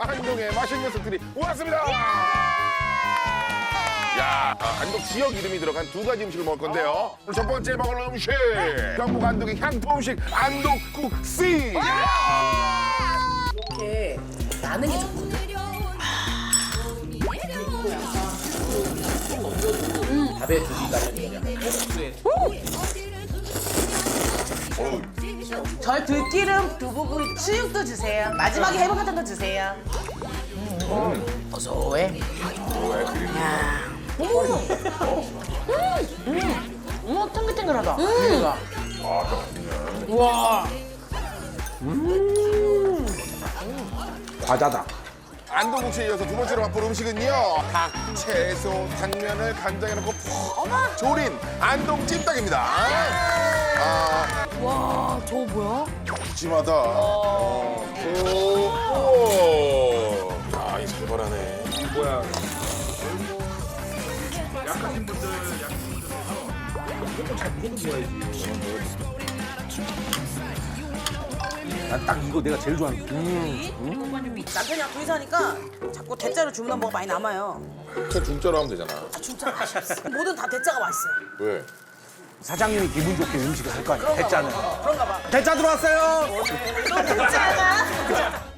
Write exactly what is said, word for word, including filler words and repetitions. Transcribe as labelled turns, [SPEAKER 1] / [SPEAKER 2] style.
[SPEAKER 1] 안동의 맛있는 녀석들이 왔습니다. 야, 아, 안동 지역 이름이 들어간 두 가지 음식을 먹을 건데요. 오늘 첫 번째 먹을 음식 경북 안동의 향토 음식 안동국시.
[SPEAKER 2] 이렇게 나는 게 좋거든.
[SPEAKER 3] 밥에 두기가
[SPEAKER 2] 저 들기름 두부구이 수육도 주세요. 마지막에 해물 같은 거 주세요. 음. 고소해. 야. 음. 음. 음. 탱글탱글하다. 음. 와.
[SPEAKER 3] 과자다.
[SPEAKER 1] 안동국시에 이어서 두 번째로 맛볼 음식은요. 닭, 채소, 당면을 간장에 넣고 푹 조린 안동 찜닭입니다. 아,
[SPEAKER 2] 와, 저거 뭐야?
[SPEAKER 1] 찜하다. 어. 오. 야, 이 살벌하네.
[SPEAKER 3] 뭐야? 난 딱 이거 내가 제일 좋아하는 거.
[SPEAKER 2] 남편이랑 둘이 사니까 자꾸 대짜로 주문한 뭐가 많이 남아요.
[SPEAKER 1] 그냥 중짜로 하면 되잖아.
[SPEAKER 2] 아, 진짜 맛이 없어. 뭐든 다 대짜가 맛있어요.
[SPEAKER 1] 왜?
[SPEAKER 3] 사장님이 기분 좋게 음식을 할 거 아니야. 대짜는.
[SPEAKER 2] 그런가 봐.
[SPEAKER 3] 대짜 들어왔어요.
[SPEAKER 2] 또 대짜가.